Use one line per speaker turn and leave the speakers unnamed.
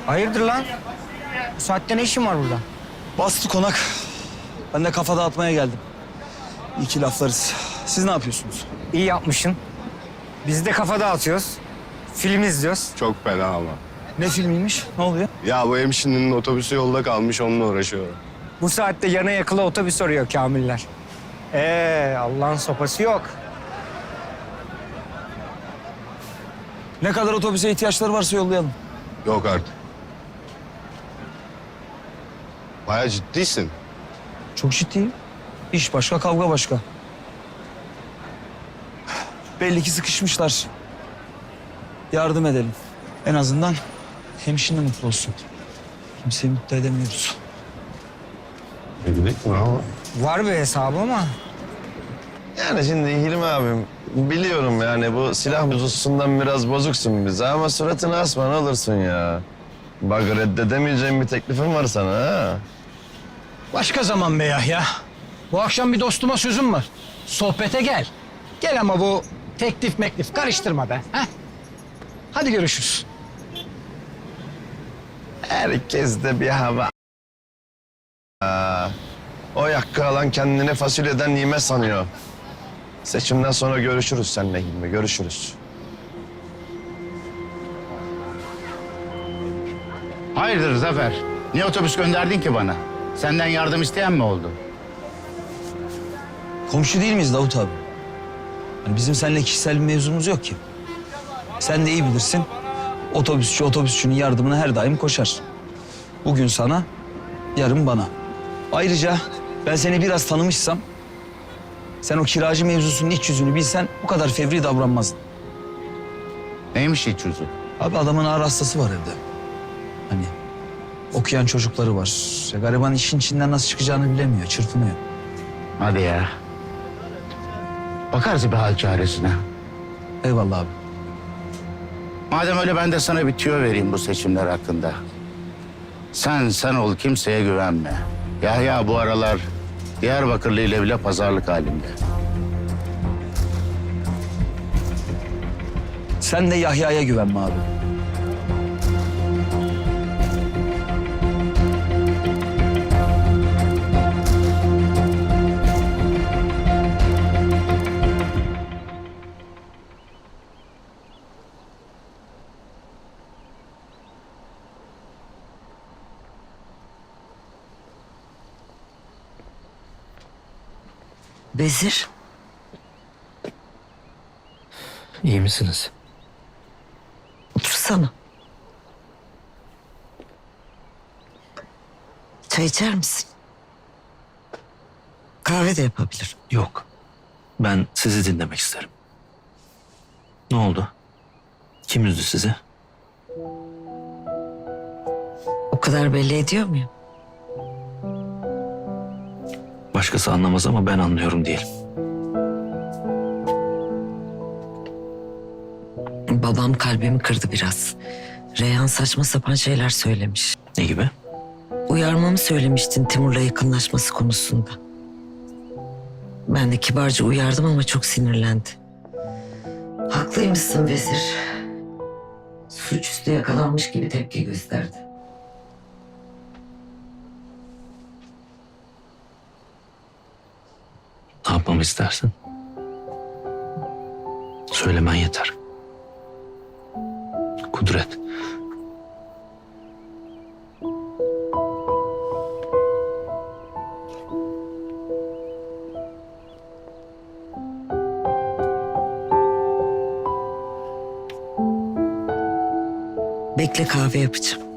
Hayırdır lan? Bu saatte ne işin var burada?
Bastı konak. Ben de kafa dağıtmaya geldim. İki laflarız. Siz ne yapıyorsunuz?
İyi yapmışsın. Biz de kafa dağıtıyoruz. Film izliyoruz.
Çok fena ama.
Ne filmiymiş? Ne oluyor?
Ya bu hemşinin otobüsü yolda kalmış, onunla uğraşıyorum.
Bu saatte yana yakıla otobüs arıyor Kamiller. Allah'ın sopası yok.
Ne kadar otobüse ihtiyaçları varsa yollayalım.
Yok artık. Bayağı ciddisin.
Çok ciddiyim. İş başka, kavga başka. Belli ki sıkışmışlar. Yardım edelim. En azından hemşire mutlu olsun. Kimseyi mutlu edemiyoruz.
Dedik mi ama?
Var bir hesabı ama
Yani şimdi Hilmi abim biliyorum yani bu silah mevzusundan biraz bozuksun bize ama suratını asma ne olursun ya. Bak reddedemeyeceğim bir teklifim var sana ha.
Başka zaman be Yahya. Bu akşam bir dostuma sözüm var. Sohbete gel. Gel ama bu teklif karıştırma be. Heh. Hadi görüşürüz.
Herkes de bir hava. O yakkı alan kendini fasulyeden yeme sanıyor. Seçimden sonra görüşürüz seninle Hilmi, görüşürüz.
Hayırdır Zafer? Niye otobüs gönderdin ki bana? Senden yardım isteyen mi oldu?
Komşu değil miyiz Davut abi? Yani bizim seninle kişisel bir mevzumuz yok ki. Sen de iyi bilirsin. Otobüsçü otobüsçünün yardımına her daim koşar. Bugün sana, yarın bana. Ayrıca ben seni biraz tanımışsam... sen o kiracı mevzusunun iç yüzünü bilsen bu kadar fevri davranmazdın.
Neymiş iç yüzü?
Abi adamın ağır hastası var evde. Hani okuyan çocukları var. Gariban işin içinden nasıl çıkacağını bilemiyor, çırpınıyor.
Hadi ya. Bakarız bir hal çaresine.
Eyvallah abi.
Madem öyle ben de sana bir tüyo vereyim bu seçimler hakkında. Sen ol, kimseye güvenme. Yahya bu aralar Diyarbakırlı ile bile pazarlık halinde.
Sen de Yahya'ya güvenme abi.
Vezir,
İyi misiniz?
otursana. Çay içer misin? Kahve de yapabilirim.
Yok. Ben sizi dinlemek isterim. Ne oldu? Kim üzdü sizi?
O kadar belli ediyor muyum?
Başkası anlamaz ama ben anlıyorum diyelim.
Babam kalbimi kırdı biraz. Reyhan saçma sapan şeyler söylemiş.
Ne gibi?
Uyarmamı söylemiştin Timur'la yakınlaşması konusunda. Ben de kibarca uyardım ama çok sinirlendi. Haklıymışsın Vezir. Suçüstü yakalanmış gibi tepki gösterdi.
Ne yapmamı istersin? Söylemen yeter. Kudret.
Bekle kahve yapacağım.